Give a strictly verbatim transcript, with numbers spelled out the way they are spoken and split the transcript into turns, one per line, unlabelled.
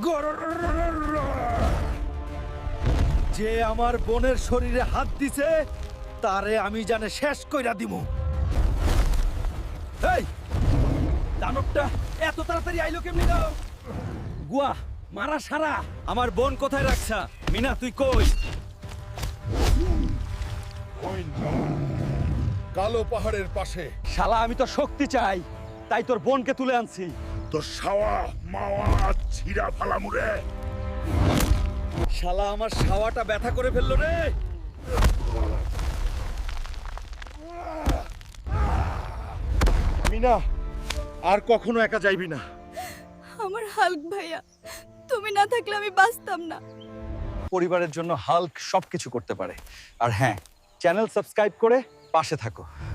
যে আমার বোনের শরীরে হাত দিছে তারে আমি জানে শেষ কইরা দিমু। এই দানবটা এত তাড়াতাড়ি আইলো কেমনি দাও? গুয়া মারা সারা। আমার বোন কোথায় রাখছা? মিনা তুই কই?
কালো পাহাড়ের পাশে।
শালা আমি তো শক্তি চাই, তাই তোর বোনকে তুলে আনছি।
তো সাওয়া মাওয়া ছিড়া ফালামুরে।
শালা আমার শাওয়াটা ব্যথা করে ফেললো রে।
মিনা, আর কখনো একা যাইবি না।
আমার হাল্ক ভাইয়া, তুমি না থাকলে আমি বাঁচতাম না।
পরিবারের জন্য হাল্ক সবকিছু করতে পারে। আর হ্যাঁ, চ্যানেল সাবস্ক্রাইব করে পাশে থাকো।